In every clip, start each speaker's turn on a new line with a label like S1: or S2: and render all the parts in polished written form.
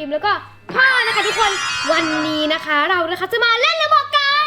S1: มแล้วก็พ่อนะคะทุกคนวันนี้นะคะเรานะคะจะมาเล่นระบบกัน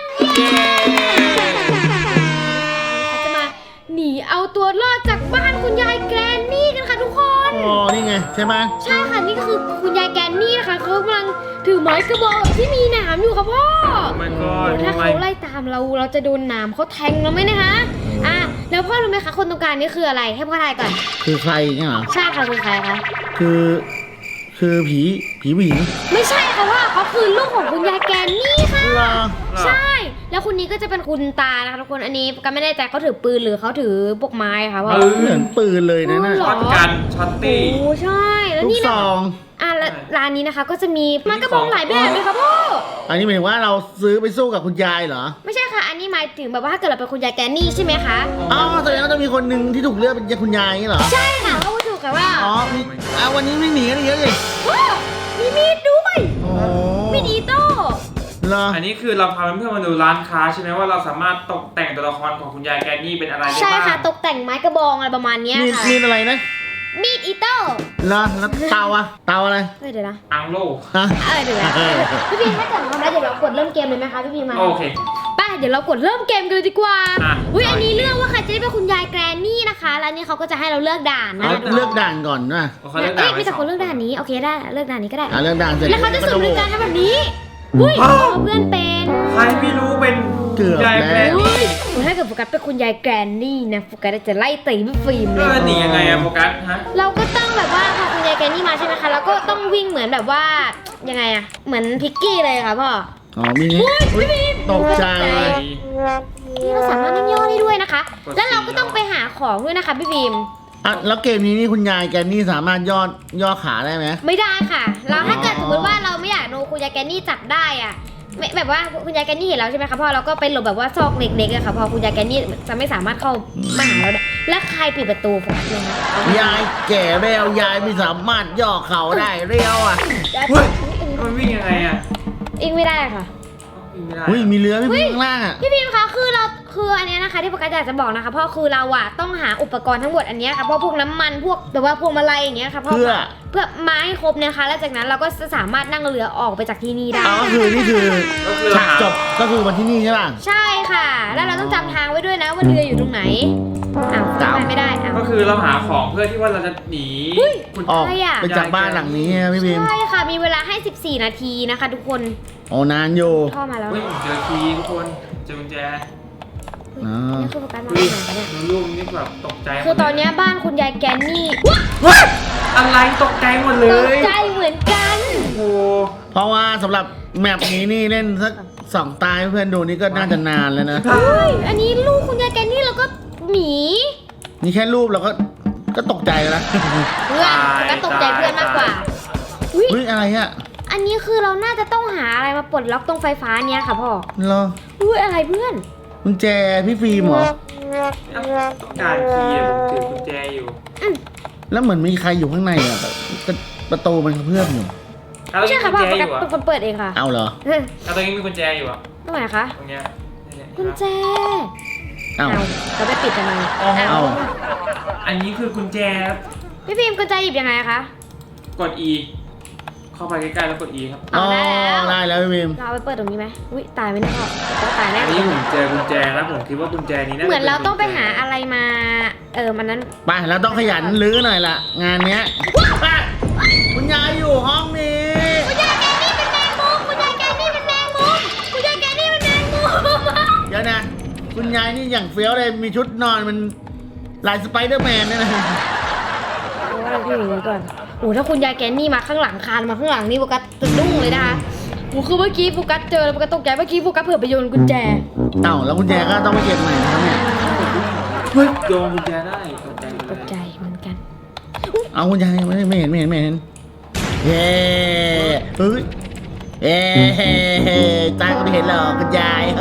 S1: จะมาหนีเอาตัวรอดจากบ้านคุณยายแกรนนี่กันค่ะทุกคน
S2: อ๋อนี่ไงใช่ไหม
S1: ใช่ค่ะนี่คือคุณยายแกรนนี่นะคะเขากำลังถือไม้กระบอกที่มีหนามอยู่ค่ะพ่อถ้าเขาไล่ตามเราจะโดนหนามเขาแทงเราไหมนะคะแล้วพ่อรู้ไหมคะคนตรงกลางนี่คืออะไรให้พ่อทายก่อน
S2: คือใครเนี่ยเหรอ
S1: ใช่ค่ะคือใครคะ
S2: คือผีผู้หญิง
S1: ไม่ใช่ค่ะว่าเขาคือลูกของคุณยายแกรนนี่ค่ะใช่แล้วคนนี้ก็จะเป็นคุณตานะคะทุกคนอันนี้ก็ไม่แน่ใจเขาถือปืนหรือเขาถือพวกไม้ค่ะว่า
S2: เหมือนปืนเลยนะ
S3: ช็อตกันช็อตตี้
S1: โอ้ใช่แล้วนี่นะร้านนี้นะคะก็จะมีไม้กระบองหลายแบบเลยค่ะพ่อ
S2: อันนี้หมายถึงว่าเราซื้อไปสู้กับคุณยายเหรอ
S1: ไม่ใช่ค่ะอันนี้หมายถึงแบบว่าถ้าเกิดเราเป็นคุณยายแกรนนี่ใช่ไหมคะ
S2: อ๋อแสดงว่าจะมีคนหนึ่งที่ถูกเลือกเป็นคุณยายนี่เหรอ
S1: ใช่ค่ะเขาถูกค่ะว่า
S2: อ๋อวันนี้ไม่หนีกันเยอะเลย
S1: มีมีดด้วยมีดอีโต้
S3: อันนี้คือเราพาเพื่อนๆมาดูร้านค้าใช่ไหมว่าเราสามารถตกแต่งตัวละครของคุณยายแกรนนี่เป็นอะไรได้บ้าง
S1: ใช่ค่ะตกแต่งไม้กระบองอะไรประมาณนี้ค่ะ
S2: มีอะไรนะ
S1: มีดอีโต้
S2: แล้วเตาอะไร
S1: เดี๋ยวนะ
S3: อังโล
S1: เดี๋ยวนะพี่พีถ้าเกิดทำได้เดี๋ยวเรากดเริ่มเกมเลยไหมคะพี่พีมา
S3: โอเค
S1: ไปเดี๋ยวเรากดเริ่มเกมกันเลยดีกว่าอันนี้เลือกว่าใครจะได้เป็นคุณยายแกรนนี่นะคะแล้วนี่เขาก็จะให้เราเลือกด่านนะ
S2: เลือกด่านก่อนนะ
S1: มีแต่คนเลือกด่านนี้โอเคได้เลือกด่านนี้ก็ได้
S2: เลือกด่านเสร็จ
S1: แล้วเขาจะสุ่มในการทำแบบนี้เพื่อนเป็น
S3: ใครไม่รู้เป็น
S2: ยายแกรนนี่
S1: ถ้าเกิดโฟกัสเป็นคุณยายแกรนนี่นะโฟกัสจะไล่ตีพี่ฟิล์มเลย
S3: หนียังไงอะโฟกัสฮะ
S1: เราก็ต้องแบบว่าพอคุณยายแกรนนี่มาใช่ไหมคะเราก็ต้องวิ่งเหมือนแบบว่ายังไงอะเหมือนพิกกี้เลยค่ะพ่อ
S2: มีตกใจ
S1: นี่เราสามารถนั่งย่อได้ด้วยนะคะแล้วเราก็ต้องไปหาของด้วยนะคะพี่ฟิล์ม
S2: แล้วเกมนี้นี่คุณยายแกรนนี่สามารถย่อขาได้ไหม
S1: ไม่ได้ค่ะเราถ้าเกิดสมมติว่าเราไม่อยากโดนคุณยายแกรนนี่จับได้อะแบบว่าคุณยายแกรนนี่เห็นเราใช่ไหมคะพ่อเราก็ไปหลบแบบว่าซอกเล็กๆอะค่ะพอคุณยายแกรนนี่จะไม่สามารถเข้ามาหาเราได้แล้วใครปิดประตูผมเลยนะ
S2: ยายแก่แล้วยายไม่สามารถย่อเข่าได้เรียวอะ
S3: มันวิ่งยังไงอะ
S1: วิ่งไม่ได้ค่ะ
S2: มีเรือพี่พิมพ์ข้างล่างอะ
S1: พี่พิมพ์คะคืออันนี้นะคะที่โฟกัสอยากจะบอกนะคะพ่อคือเราอะต้องหาอุปกรณ์ทั้งหมดอันนี้ค่ะเพราะพวกน้ำมันพวกแบบว่าพวงมาลัยอย่างเงี้ยค่ะเพื่อไม้ครบเนี่ยค่ะแล้วจากนั้นเราก็สามารถนั่งเรือออกไปจากที่นี่ได้
S2: ก็คือนี่คือฉากจบก็คือวันที่นี่ใช่ป่ะ
S1: ใช่ค่ะแล้วเราต้องจำทางไว้ด้วยนะว่าเรืออยู่ตรงไหนจำไม่ได้
S3: ก็คือเราหาของเพื่อที่ว่าเราจะหนี
S2: ออกไปจากบ้านหลังนี้พี่พิมพ์
S1: ใช่ค่ะมีเวลาให้14นาทีนะคะทุกคน
S2: นานอยู่
S1: พ่อมาแล้ว
S3: เจอคีย์ทุกคนเจอกุญแจ
S1: นี่คือโฟกัสมาไหนปะเนี่ย
S3: ลูกนี่แบบตกใจ
S1: คือตอนนี้บ้านคุณยายแกรนนี่
S3: อะไรตกใจหมดเลย
S1: ตกใจเหมือนกัน
S3: โอ้
S2: เพราะว่าสำหรับแมปนี้นี่เล่นสัก2 ตาเพื่อนดูนี่ก็น่าจะนานแล้วนะ
S1: อันนี้ลูกคุณยายแกรนนี่แล้วก็หมี
S2: นี่แค่รูปเราก็ตกใจแล้ว
S1: เพื่อนก็ตกใจเพื่อนมากกว่า
S2: อะไรอะ
S1: อันนี้คือเราน่าจะต้องหาอะไรมาปลดล็อกตรงไฟฟ้าเนี้ยค่ะพ่อ
S2: เหรอ
S1: อะไรเพื่อน
S2: กุญแจพี่ฟิล์มเหรอ
S3: ต้องการคีย์ผมถือกุญแจอยู่
S2: แล้วเหมือนมีใครอยู่ข้างในอ่ะประตูมันเพื่อนอยู่
S1: ไม่ใช่ค่ะพ่อเป็นคนเปิดเองค่ะ
S2: เอาเหรอ
S3: ตรงนี้มีกุญแจอยู่อ่ะ
S1: ตรงไหนคะ
S3: ตรงเนี้ย
S1: กุญแจ
S2: เอา
S1: เราไปปิดทำไม
S2: เอา
S3: อันนี้คือกุญแจ
S1: พี่ฟิล์มกุญแจหยิบยังไงคะ
S3: กด Eเข้าไปใกล้ๆแล้วกด E ครับ
S2: ได้แล้วพี่พิม
S1: เราไปเปิดตรงนี้ไหมตายไหมเนี่ยพ่อตายแน่
S3: อันนี้ผมเจอกุญแจแล้วผมคิดว่ากุญแจนี้นะ
S1: เหมือนเราต้องไปหาอะไรมามันนั้น
S2: ไปเราต้องขยันลื้อหน่อยละงานเนี้ยคุณยายอยู่ห้องนี้
S1: คุณยายแกนี่เป็นแมงมุมคุณยายแกนี่เป็นแมงมุมคุณยายแกนี่เป็นแมงมุม
S2: เดี๋ยวนะคุณยายนี่อย่างเฟี้ยวเลยมีชุดนอนมันลายสไปเดอร์แมนเนี่ยนะ
S1: พี่ดูก่อนถ้าคุณยายแกนี่มาข้างหลังคานมาข้างหลังนี่โฟกัสจะดุ้งเลยนะคะคือเมื่อกี้โฟกัสเจอแล้วโฟกัสตกใจเมื่อกี้โฟกัสเผื่อไปโยนกุญแจ
S2: แล้วกุญแจก็ต้องไปเก็บใหม่นะครับเนี่ย
S3: โยนกุญแจได้
S1: ตกใจเหมือนกัน
S2: เอากุญแจไม่เห็นเย้ตาก็ไม่เห็นหรอกกุญแจ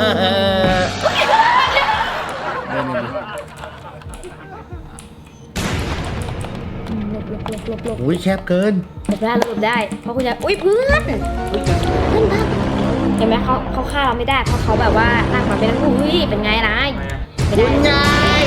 S2: อุ้ยแคบเกิน
S1: หลบได้เพราะคุณยายเพื่อนเห็นไหมเขาฆ่าเราไม่ได้เพราะเขาแบบว่าร่างมาเป็นเป็นไงล่ะ
S2: คุณยาย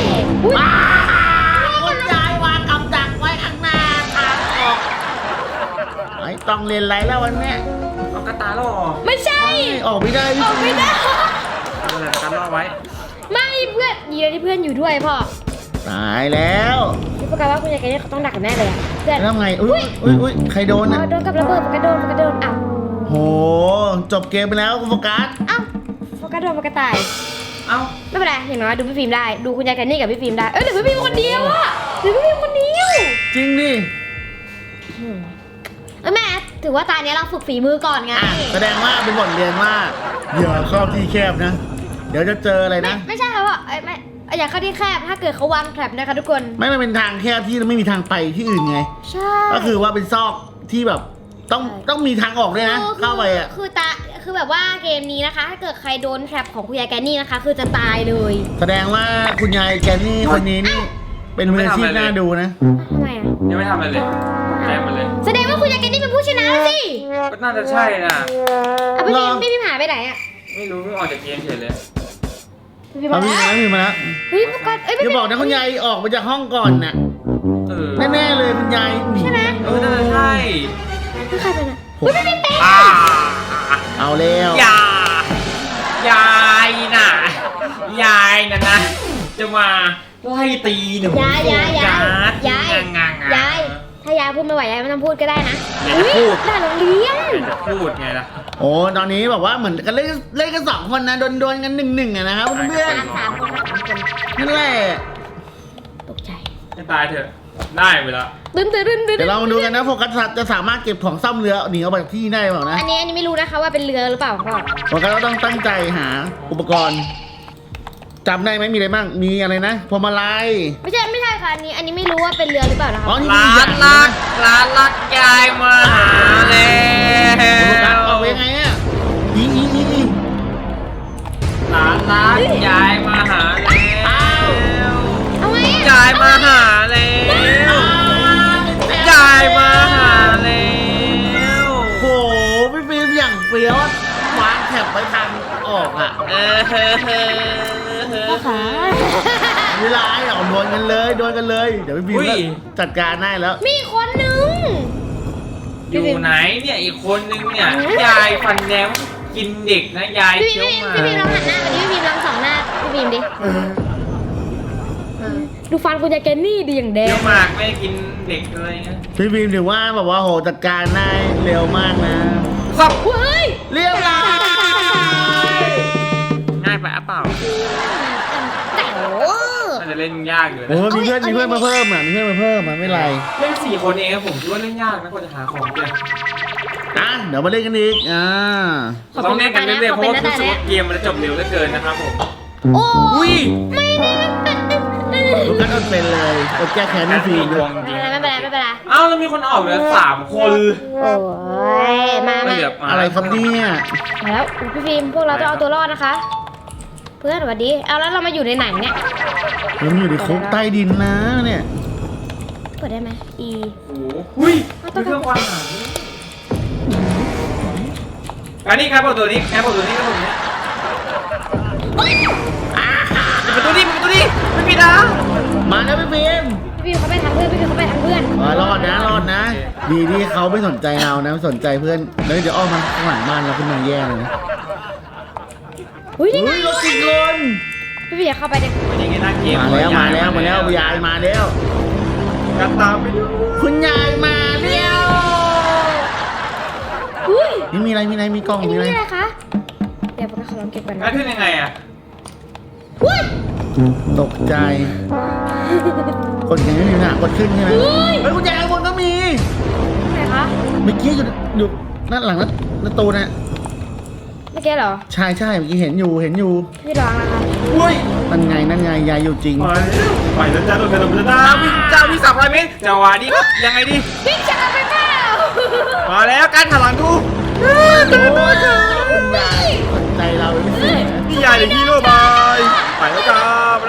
S2: คุณยายวางกับดักไว้ข้างหน้าทางออกต้องเรียนไรแล้ววันเนี้ย
S3: เอากระตาล่อ
S1: ไม่ใช่
S2: ออกไม่ได้
S1: ออกไม่ได้
S3: เอาอะไรกันล่อไว้
S1: ไม่เพื่อนยีที่เพื่อนอยู่ด้วยพ่อ
S2: ตายแล้ว
S1: พี่โฟกัสว่าคุณยายแกนี่เขาต้องดักกันแน่เลยอะเพื่อน
S2: แล้วไงอุ้ยใครโดน
S1: อ๋อ
S2: นะ
S1: โดนกับระเบิดโฟกัสโดนอ้าว
S2: โหจบเกมไปแล้วคุณโฟกัส
S1: อ้าวโฟกัสโดนโฟกัสตาย
S3: เอ้า
S1: ไม่เป็นไรอย่างน้อยดูพี่ฟิล์มได้ดูคุณยายแกนี่กับพี่ฟิล์มได้เหลือพี่ฟิล์มคนเดียวอะเหลือพี่ฟิล์มคนเดียว
S2: จริงดิ
S1: แม่ถือว่าตาเนี้ยเราฝึกฝีมือก่อนไง
S2: แสดงว่าเป็นบทเรียนว่าอย่าเข้าที่แคบนะ เดี๋ยวจะเจออะไรนะ
S1: ไม่ใช่แล้วอ่ะไม่อย่าเข้าที่แคบถ้าเกิดเขาวางแทรปนะคะทุกคน
S2: ไม่มันเป็นทางแคบที่ไม่มีทางไปที่อื่นไง
S1: ใช่
S2: ก็คือว่าเป็นซอกที่แบบต้องมีทางออกด้วยนะ เข้าไปอ่ะ
S1: คือแบบว่าเกมนี้นะคะ ถ้าเกิดใครโดนแทรปของคุณยายแกนี่นะคะ คือจะตายเลย
S2: แสดงว่าคุณยายแกนี่คนนี้นี่เป็นมืออาชีพน่าดูนะ
S1: ทำไมอ่ะ
S3: ยังไม่ทำอะไรเลยแจ้งมาเลย
S1: แสดงว่าคุณยายแกนี่เป็นผู้ชนะแล้วสิ
S3: ก็น่าจะใช่นะ
S1: เอาพี่พิมหายไปไหนอ่ะ
S3: ไม่รู้เพิ่งออกจากเกมเฉยเลย
S1: พี่พิม
S2: เอา
S1: มา
S2: พี่
S1: แล้ว
S2: มาพี่มาแล้ว
S1: เฮ้ยโฟกัส
S2: อย่าบอกนะคุณยายออกมาจากห้องก่อนน่ะ
S3: เออ
S2: แน่ๆเลยคุณยายหนี
S1: ใช่ไหม
S3: เออน่าจะใช่
S1: คือใครเป็นอ่ะเฮ้ยพี่พิมเป็น
S3: อ่า
S2: เอาแล้ว
S3: ยายน่ะยายน่ะนะจะมาไล่ตีหนู
S1: ยาย
S3: งาง
S1: ถ้ายายพูดไม่ไหวยายไม่ต้องพูดก็ได้นะ
S3: อยากจะพูด
S1: หน้าโรงเรียน
S3: จะพูดไงล่ะ
S2: โอ้ตอนนี้แบบว่าเหมือนกันเล่นกันสองคนนะโดนกันหนึ่งอะนะครับเพื่อน
S1: สามคนนะสามคน
S2: ๆนั่นแหละ
S1: ตกใจ
S3: จะตายเถอะได้เวลา
S1: ตื่น
S2: เดี๋ยวเรามาดูกันนะโฟกัสจะสามารถเก็บของซ่อมเรือหนีออกไปจากที่ได้เปล่านะ
S1: อันนี้ไม่รู้นะคะว่าเป็นเรือหรือเปล่าพ่อ
S2: โฟกัสก็ต้องตั้งใจหาอุปกรณ์จำได้ไหมมีอะไรบ้างมีอะไรนะพวงมาลัย
S1: ไม่ใช่ค่ะอันนี้ไม่รู้ว่าเป็นเรือหรือเปล่านะคะ
S2: อ๋อนี่
S3: ร้านรักยายมาหาแล้
S2: โฟกัส
S3: ว
S2: ออกไปยังไงอะอี
S3: ร้านรักยายมาหาแล้ว
S1: เอาไง
S3: ยายมาหาแล้วยายมาหาแล้ว
S2: โหพี่ฟิล์มอย่างเฟี้ยวอะวางแถบไว้ทางออกอะ
S1: พ่อขา
S2: เวลาไอ้ออกโดนกันเลยเดี๋ยวพี่ฟิล์มก็จัดการได้แล้ว
S1: มีคนนึง
S3: อยู่ไหนเนี่ยอีกคนนึงเนี่ยยายฟันแนวกินเด็กนะยาย
S1: พี่
S3: เคี้ยวหมา
S1: พิมลองหันหน้ามาดิพี่พิมลองสองหน้าพี่พิมดิดูฟันคุณยายแกนี่ดีอย่างแด
S3: เคี้
S1: ง
S3: ยวหมากไม่กินเด็กอะไรเงี้ย
S2: พี่ฟิล์มถือว่าแบบว่าโหจัดการได้เร็วมากนะ
S3: ครับ
S1: เฮ้ย
S2: เรียบร้อย
S3: ง่ายไปอ่ะเปล่า
S1: แต่โอ้
S3: น่าจะเล่นยากอยู่
S2: โอ้
S3: นะ
S2: มีเพื่อนมาเพิ่มอ่ะไม่เป็นไร
S3: เล่น4 คนเองผมคิดว่าเล่นยากนะกว่าจะหาของเจอ
S2: เดี๋ยวมาเล่นกันอีก
S3: ต้องเล่นกันเรื่อยๆเพราะว่ารู้สึกว่าเกมมันจะจบเร็วเหลือเกินนะครับผม
S1: โอ้
S3: อุ้ย
S2: ลูกกันอดเป็นเลยอดแก้แค้นพี่ฟิล์ม
S3: ด
S2: ด้
S3: ว
S2: ว
S3: ง
S2: ย
S3: จริง
S1: ไม่เป็นไร
S3: เอ้าแล้วมีคนออกเหลือ3 คน
S1: โอ้ยมา
S3: ไม่เหลือมา
S2: อะไรครับเนี่ย
S1: แล้วพี่ฟิล์มพวกเราต้องเอาตัวรอดนะคะ เพื่อนสวัสดีเอาแล้วเรามาอยู่ในไหนเนี่ย
S2: มันอยู่ในคุกใต้ดินนะเนี่ย
S1: เปิดได้ไหม E
S3: โอ้โหอุ้ยมีเครื่องความหมายอันนี้ครับตัวนี้ครับตัวนี้ครับผมเนี่ยประตูนี้ไม่มีนะ
S2: มาแล้วพี่ฟิล์ม
S1: พี่ฟิล์มเขาไปทางเพื่อนพี่ฟิล์มเขาไปทางเพื่อน
S2: รอดนะดีที่เขาไม่สนใจเรานะสนใจเพื่อนแล้วเดี๋ยวอ้อมมาข้างหลังบ้านเราขึ้นมาแย่เลยนะ
S1: อุ้ยนี่ไง
S2: รถติดคน
S1: พี่ฟิล์มเข้าไปเด็ก
S3: มันยังไงน่าเกม
S2: มาแล้วยายมาแล้ว
S3: กันตามไปดู
S2: คุณยายมาแล้ว
S1: อุ้ย
S2: นี่มีอะไรมีกล้อง
S1: อันนี้
S2: มีอะไร
S1: อะไรคะ เดี๋ยวพวกเราลองเก็บกัน
S3: แล้วขึ้นยังไงอ่ะ
S1: อุ้ย
S2: ตกใจกดยังไม่มีหน้ากดขึ้นใช่ไหมเฮ้ยคุณยายข้างบนก็มี
S1: ไหนคะ
S2: เมื่อกี้อยู่หน้าหลังประตูนะ
S1: เมื่อกี้เหรอ
S2: ใช่เมื่อกี้เห็นอยู่
S1: พี่ลองนะคะ
S3: อุ้ย
S2: นั่นไงยายอยู่จริง
S3: ไปแล้วจ้าโดนกระโดดจ้าพี่300 เมตรจังหวะนี้ก็ยังไงดี
S1: พี่จะเอาไปเปล่า
S3: มาแล้วการหันหลังดู
S2: คุณยายสนใจเราไม่เสีย
S3: นี่ยายหรือฮีโร่บายไปแล้วจ้า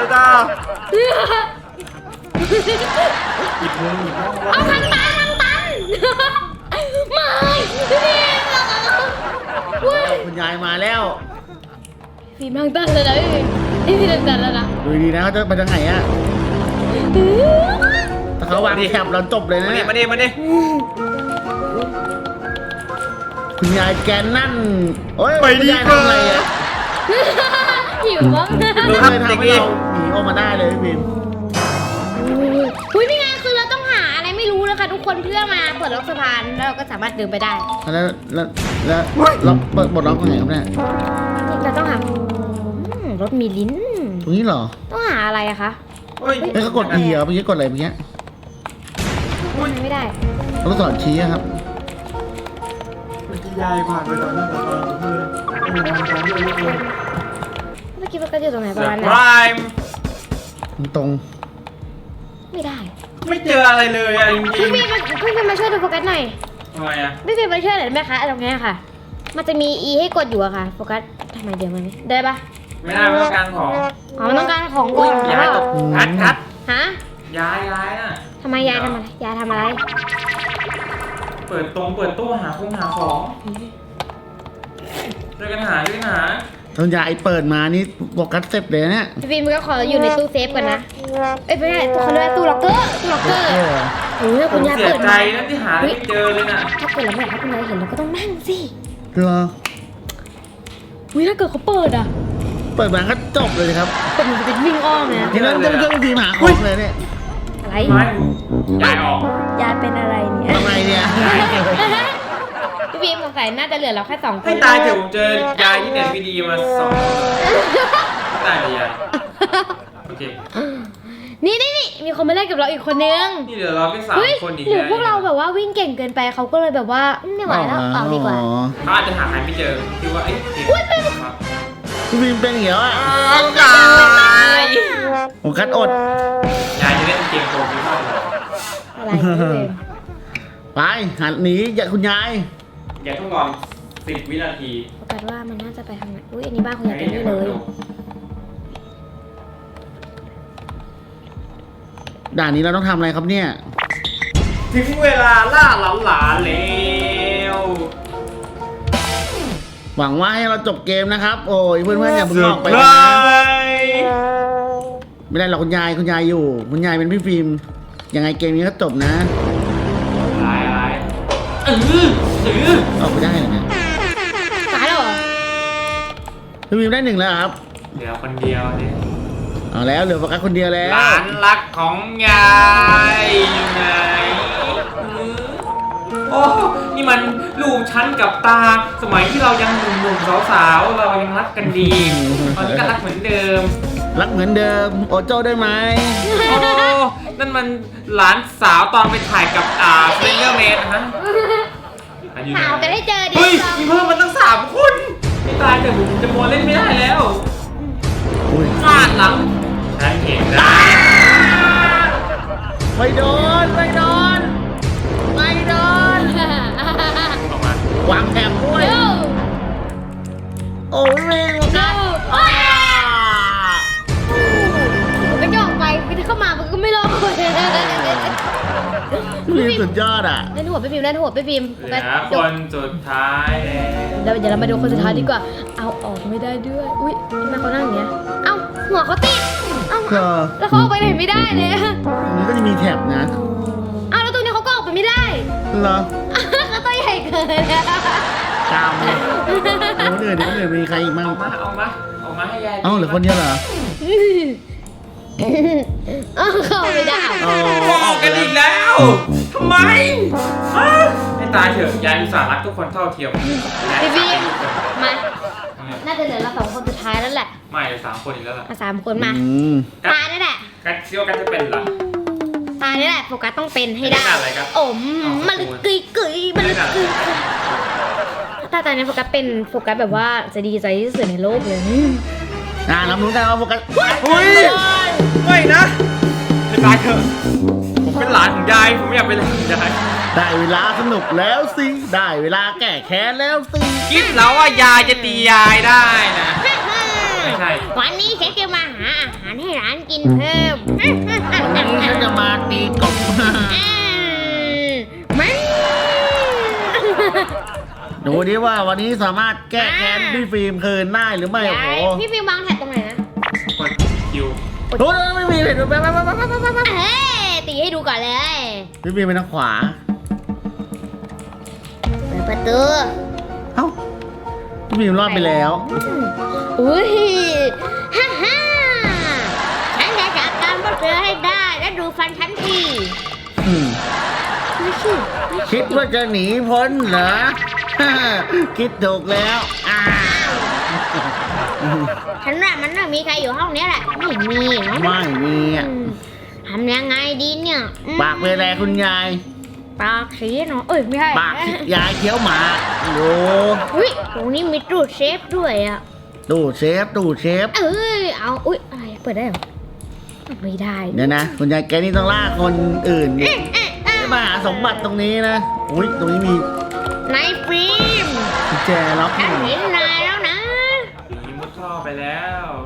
S3: หยิบมือ
S1: เอาทางตันไม่พี่ฟิล์มอุ้ย
S2: คุณยายมาแล้ว
S1: ฟิล์มทางตันเลยนะพี่ฟิล์มทางตันแล้วนะ
S2: ดูดีนะเขาจะไปทางไหนอะถ้าเขาวางแคปเราจบเลยนะ
S3: มาดิ
S2: คุณยายแกนั่นโอ้ย
S3: ไปดี
S2: คุณยาย
S3: กว่า
S2: ทำอะไรอ่ะ
S1: หิวมั้ง
S2: เราเลยทำให้เราหนีออกมาได้เลยพี่พิม
S1: อุ้ยนี่ไงคือเราต้องหาอะไรไม่รู้นะคะทุกคนเพื่อมาเปิดล็อกสะพานแล้วเราก็สามารถเดินไปได้
S2: แล้วเราเปิดบทล็อกตรงไหนครับเนี่ย
S1: เราต้องหารถมีลิ้น
S2: ตรงนี้เหรอ
S1: ต้องหาอะไรอะคะ
S3: เฮ้ย
S2: เอ้ยก็กด E เหรอเมื่อกี้กดอะไรเมื่อกี้
S1: ไม่ได้
S2: เราต้องสอนชี้อะครับ
S3: ยายผ่านไปตอนนั้นตอนเพื่อน
S1: เมื่อกี้มันก็อยู่ตรงไหน
S3: เซ
S1: ป
S3: อ
S1: ระมาณ
S3: ร์
S1: นั้
S3: ไพร
S1: น
S3: ส์
S2: ตรง
S1: ไม่ได้
S3: ไม่เจออะไรเลยอะจริ
S1: พี่
S3: ง
S1: บีมาช่วยดูโฟกัสหน่อย
S3: ๆทำไมอะ
S1: พี่บีมาช่วยหน่อยได้ไหมคะตรงนี้ค่ะ มันจะมี E ให้กดอยู่อะค่ะโฟกัสทำไมเดี๋ยวมันได้ปะ
S3: ไม่ได้ไม่ต้องการของ
S1: อ๋อมันต้องการของก่
S3: อุ้
S1: อย น
S3: ยายตกคัด
S1: ฮะ
S3: ยายน่ะ
S1: ทำไมยายทำอะไรยายทำอะไร
S3: เปิดตู้หาของช่วยกันหา
S2: ตอนยายเปิดมานี่โฟกัสเสร็จเลยนะเนี่ย
S1: พี่บีมันก็ขออยู่ในตู้เซฟก่อนนะเอ้ยไม่ใช่เขาเรียกว่าตู้ล็อกเกอร์โอ้ย
S3: ผ
S1: คุณ
S3: ม
S1: ยาย
S3: เสีย
S1: เปิด
S3: ใจ
S1: มา
S3: นะที่หาไม่เจอเลยน่ะ
S1: ถ้าเปิดแล้วไม่อยากให้คุณยายเห็นเราก็ต้องนั่งสิ
S2: เหรอ
S1: อุ้ยถ้าเกิดเขาเปิดอ่ะ
S2: เปิดมาก็จบเลยครับ
S1: เป็นมันจะเป็นวิ่งอ้อมนะ
S2: ทีนั้นจะไม่ช่วยพี่พิมหาของเลยเนี่ย
S1: อะไร
S3: ไม่ยายออก
S1: ยายเป็นอะไรเนี่ย
S2: ทำไมเนี่ย
S1: พี่บีมสงสัยน่าจะเหลือเราแค่2 คน
S3: ให้ตายเถอะผมเจอยายที่เน็ตวีดีมา2ตายเลยยายโอเค
S1: นี่มีคนมาเล่นกับเราอีกคนนึง
S3: นี่เหลือเราแค่สาม
S1: เฮ้ย
S3: คนอีก
S1: หรือพวกเราแบบว่าวิ่งเก่งเกินไปเขาก็เลยแบบว่าไม่ไหวแล้วออกดีกว่า
S3: เขาอาจจะหาใครไม่เจอคิดว่าเอ๊ะครับ
S2: พี่พิมเป็นอย่างเงี้ยอ่ะ
S3: ยาย
S2: ผมคัดอด
S3: ยายจะเล่นเกมโกงพี่พ่อเหรอ
S1: อะไรพี่บีม
S2: ไปหันหนีอย่าคุณยาย
S3: อย่าต้องรอ10 วินาที
S1: โฟกัสว่ามันน่าจะไปทางไหนอุ้ยอันนี้บ้านคุณยายเป็นนี่เลย
S2: ด่านนี้เราต้องทำอะไรครับเนี่ย
S3: ถึงเวลาล่าหลานแล้ว
S2: หวังว่าให้เราจบเกมนะครับ โอ้ยเพื่อนๆอย่าเพิ่งออกไป
S3: เซ
S2: นะ
S3: ร์ไพรส์
S2: ไม่ได้หรอกคุณยายอยู่ คุณยายเป็นพี่ฟิล์มยังไงเกมนี้ก็จบนะ
S3: อะไรเออ
S2: ออกไปได้เหรอเนี่ย
S1: ตายแล้วเหรอ
S2: พี่ฟิล์มได้1แล้วครับ
S3: เหลือคนเดียวเนี่ย
S2: เอาแล้วเหลือโฟกัสคนเดียวแล้
S3: ห
S2: ว
S3: ลานรักของยายอยู่ไหนโอ้นี่มันลูกฉันกับตา สมัยที่เรายังหนุ่มๆสาวๆเรายังรักกันดี ตอนนี้ก็รักเหมือนเดิม
S2: รักเหมือนเดิมโอโจ้ได้ไหม
S3: โอ้นั่นมันหลานสาวตอนไปถ่ายกับเฟรนเดอร์เมนนะฮะอันนี้
S1: หาวกันให้เจอดิ
S3: เฮ้ยมีเพิ่มมันตั้ง3 คนไม่ตายแต่ผมจะมัวเล่นไม่ได้แล้ว
S2: อุ้ย
S3: ฟาดหลังฉันเห็นได้
S2: ไม่โดนไม่โดน
S3: ออกมาว
S2: างแถบด้วย
S1: โย่
S2: โอ้ยเมงโฟกัส
S1: ผมก็จะออกไปคือเข้ามามันก็ไม่รอด
S2: พี่ฟิล์มสุดยอดอ่ะ
S1: เล่นหัวไปพิมพ์เล่นหัวไปพิมพ์
S3: เหลือคนสุดท้ายแล้ว
S1: เดี๋ยวเรามาดูคนสุดท้ายดีกว่า เอาออกไม่ได้ด้วย อุ้ยทำไมเขานั่งอย่างเงี้ย เอ้าหัวเขาติด เอ้า
S2: ก็
S1: แล้วเขาออกไปไหนไม่ได้เลย
S2: ตรงนี้ก็จะมีแถบนะ
S1: เอ้าแล้วตรงนี้เขาก็ออกไปไม่ได้
S2: เหรอ
S1: เขาตัวใหญ่เกิน
S2: กามเลยคนอื่นมีใครอีกบ้าง
S3: ออกมาให้ยาย
S2: เอ้าเหลือคนเดียวเหรอ
S1: เอ้าเข้าไม่ได้
S2: อ๋อ
S3: ออกกันอีกแล้วทำไมให้ตายเถอะยายอุตส่าห์รักทุกคนเท่าเทียม
S1: พี่บีมมา น่าจะเหลือเรา2 คนสุดท้ายแล้วแหละ
S3: ไม่3 คนอีกแล้วล่ะ
S1: มา3 คนมา
S2: อืม
S1: ตานี่แหละ
S3: กัดเชี่ยวกันจะเป็นเหรอ
S1: ตานี่แหละโฟกัสต้องเป็นให้ได้
S3: ไม่ได้อะไรครับ
S1: โอ้มันลึกกึยกึยมันลึกกึยถ้าตอนนี้โฟกัสเป็นโฟกัสแบบว่าจะดีใจที่สุดในโลกเลย
S2: เรารู้กันว่าโฟกัส
S3: อุ้ยไม่นะให้ตายเถอะผมเป็นหลานของยายผมไม่อยากเป็นหลานของยาย
S2: ได้เวลาสนุกแล้วสิ ได้เวลาแก้แค้นแล้วสิ
S3: คิดแล้วว่ายายจะตียายได้นะ ไม่ใช่
S1: วันนี้ฉันจะมาหาอาหารให้ร้านกินเพิ่ม
S2: วันนี้ฉันจะมาตีกบ
S1: มัน
S2: ดูดิว่าวันนี้สามารถแก้แค้นพี่ฟิล์มคืนได้หรือไม่โอ้โห
S1: พี่ฟิววางแท็กตรงไหนนะ
S3: กดคิว
S2: โอ้ยไม่มีเห็นไป
S1: เฮ้ยตีให้ดูก่อนเลย
S2: พี่ฟิล์มไปทางขวา
S1: เปิดประตู
S2: เอ้าพี่บีมรอดไปแล้ว
S1: อุ้ยฮ่าฮ่าฉันจะจัดการพวกเธอให้ได้และดูฟันฉันที
S2: อืม
S1: ไม่ใช่ไม่ใช่
S2: คิดว่าจะหนีพ้นเหรอ คิดถูกแล้วอ้าว
S1: ฉันว่ามันไม่มีใครอยู่ห้องนี้แหละไม่มีเนาะ
S2: ไม่มีอ่ะ
S1: ทำยังไงดีเนี่ยอืม
S2: ปากเป็นไรคุณยาย
S1: ปากสีเนาะเอ้ยไม่ใช่
S2: ปากยายเคี้ยวหมากดู
S1: อุ้ยตรงนี้มีตู้เซฟด้วยอ่ะ
S2: ตู้เชฟตู้เชฟ
S1: เอ้ยเอาอุ้ยอะไรเปิดได้เหรอไม่ได้
S2: เดี๋ยวนะคุณยายแกนี่ต้องล่าคนอื่นดิ
S1: เอ๊ะ
S2: ไม่มาหาสมบัติตรงนี้นะอุ้ยตรงนี้มี
S1: นายฟิล์ม
S2: กุญแจล็อก
S1: ฉัน
S2: อยู่
S1: เห็นนายแล้วนะ
S3: ผีมุดท่อไปแล้ว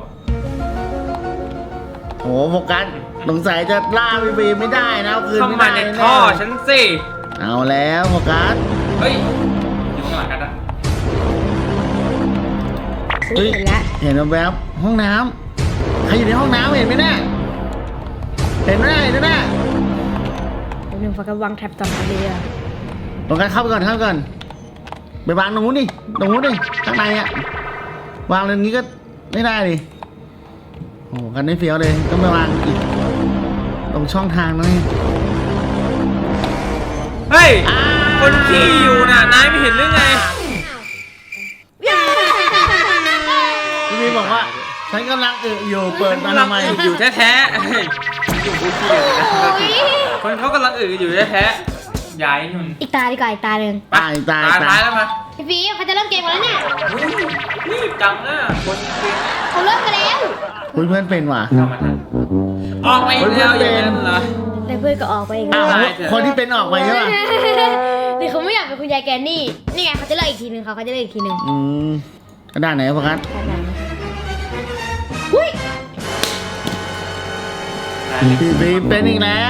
S2: โหโฟกัสสงสัยจะล่าพี่บีมไม่ได้นะเอาคืน
S3: เข้า
S2: ไม่
S3: มา
S2: ได้
S3: ใน
S2: แน่
S3: ท่อฉันสิ
S2: เอาแล้วโฟกัส
S3: เฮ้ยอยู่ข้างหลังกันนะ
S2: เฮ้ย
S1: เห็นแล้ว
S2: เห็นแวบๆห้องน้ำใครอยู่ในห้องน้ำเห็นไหมเนี่ยเห็นไหมเห็นไหม
S1: เดี๋ยวหนึ่งฝากระวังแท็บต่อมาเลยอ่ะ
S2: โฟกัสเข้าไปก่อนเข้าไปก่อนไปวางตรงนู้นดิตรงนู้นดิข้างในอะวางตรงนี้ก็ไม่ได้ดิโอ้กันไม่เฟี้ยวเลยต้องไปวางอีกตรงช่องทางนั่นเอง
S3: เฮ้ยคนขี้อยู่น่ะนายไม่เห็นหรือไง
S2: พี่บีบอกว่าฉันกำลังอยู่เปิดมาทำไม
S3: อยู่แท้ๆเฮ้ยอยู่คนขี้อยู่นะคนเขากำลังอยู่แท้ๆย้ายนุ่น
S1: อีกตาดีกว่าอีกตาหนึ่ง
S2: ตายตาย
S3: ตายแล้วมา
S1: พี่ฟิล์มเขาจะเริ่มเกมกันแล้วเนี่ย
S3: รีบจังนะคนเก่ง
S1: เขาเริ่มกันแล้ว
S2: คุณเพื่อนเป็นว่ะ
S3: เข้ามาทันออกไปอีกแล้วอย่างนั้นเหรอ
S1: แล้วเพื่อนก็ออกไปอีก
S2: อ้าว
S1: แล้ว
S3: ตายเถอะ
S2: คนที่เป็นออกไปใช่ป่ะ
S1: หรือเขาไม่อยากเป็นคุณยายแกนนี่ นี่ไงเขาจะเลิกอีกทีหนึ่งเขาจะเลิกอีกทีหนึ่ง
S2: อืมกระดานไหนโฟกัส
S1: หุ้ย
S2: พี่บีเป็นอีกแล้ว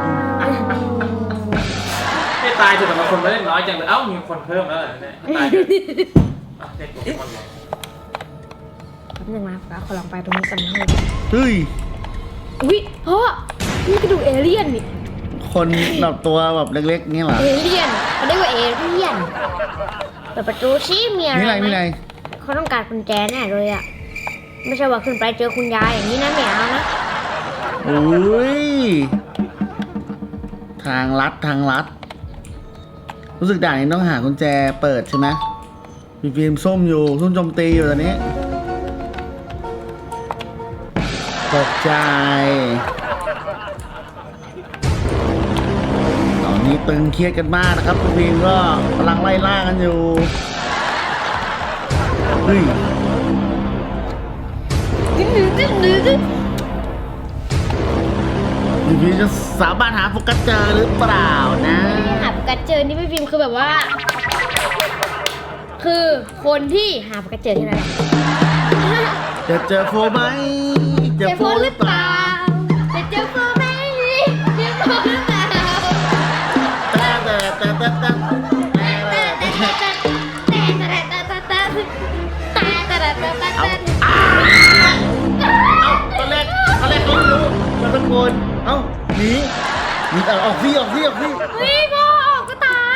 S3: ให้ตายเถอะแต่บางคนไม่ได้น้อยจังเลยเอ้ามีคนเพิ่มแล้วเหรอเนี่ยให้ตายเถอะอ่ะเด็กตัวคนเหรอ
S1: แป๊บนึงนะขอลองไปตรงนี้กันนะ
S2: เฮ้ย
S1: อุ้ยพ่อนี่กระดูกเอเลี่ยนนี่
S2: คนแบบตัวแบบเล็กๆนี่เหรอ
S1: เอเลี่ยนเขาเรียกว่าเอเลี่ยนเปิดประตูซิมีอะไร
S2: นี่อะไร
S1: ไหม
S2: นี่อะไร
S1: เขาต้องการกุญแจแน่เลยอ่ะไม่ใช่ว่าขึ้นไปเจอคุณยายอย่างนี้นะไม่เอานะ
S2: อุ้ยทางลัดทางลัด รู้สึกด่านนี้ต้องหากุญแจเปิดใช่ไหมมีฟิล์มส้มอยู่ส้มโจมตีอยู่ตอนนี้ตกใจตอนนี้ตึงเครียดกันมากนะครับคุณฟิล์มก็กำลังไล่ล่ากันอยู่เฮ้ย
S1: ดึงดึงดึงดึงดึง
S2: พี่ฟิล์มจะสามารถหาโฟกัสเจอหรือเปล่านะ
S1: หาปากกาเจอนี่พี่ฟิล์มคือแบบว่า คือคนที่หาปากกาเจอที่ไหนน
S2: จะเจอโฟไหม
S1: เจอโฟนหรือเปล่าจะเจอโฟนไหมเจอโฟนหรือเปล่า
S2: เอาตอนแรกเขาไม่รู้เราตะโกนเอ้าหนีออกสิออกสิออกสิ
S1: เฮ้ยพ่อออกก็ตาย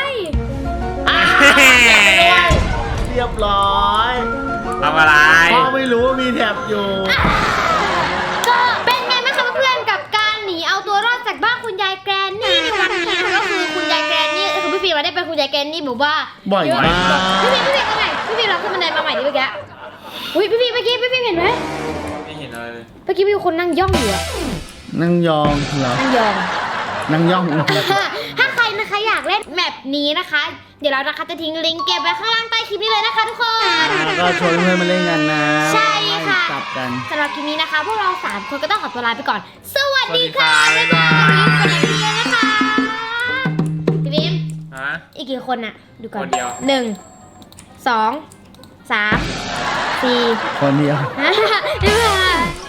S2: เรียบร้อย
S3: ทำอะไร
S2: พ่อไม่รู้ว่ามีแถบอยู่
S1: ก็เป็นไงบ้างคะเพื่อนๆกับการหนีเอาตัวรอดจากบ้านคุณยายแกรนนี่ในวันนี้นะคะก็คือคุณยายแกรนนี่คือพี่ฟิล์มมาได้เป็นคุณยายแกรนนี่บอกว่า
S2: บ่อยมาก
S1: พี่ฟิล์มเอาใหม่พี่ฟิล์มเราขึ้นบันไดมาใหม่ดิเมื่อกี้อุ้ยพี่ฟิล์มเมื่อกี้พี่ฟิล์มเห็นไหม
S3: ไม่เห็นอะไรเลย
S1: เมื่อกี้มีคนนั่งย่องอยู่อะ
S2: นั่งยองเหรอ
S1: นั่งยอง
S2: นั่งย่อง
S1: ถ้าใครนะคะอยากเล่นแมปนี้นะคะ เดี๋ยวเรานะคะจะทิ้งลิงก์เก็บไว้ข้างล่างใต้คลิปนี้เลยนะคะทุกคน
S2: แล้วก็ชวนเพื่อนมาเล่นกันนะ
S1: ใช่ค่ะ
S2: กลับกัน
S1: สำหรับคลิปนี้นะคะ พวกเรา3คนก็ต้องขอตัวลาไปก่อน สวัสดีค่ะ บ๊ายบายไปไหนกันเลยนะคะพี่บิม
S3: ฮะ
S1: อีกกี่คนน่ะ ดูก่อน
S3: คนเดียว
S1: 1 2 3 4
S2: คนเดียว
S1: 5 บ๊ายบาย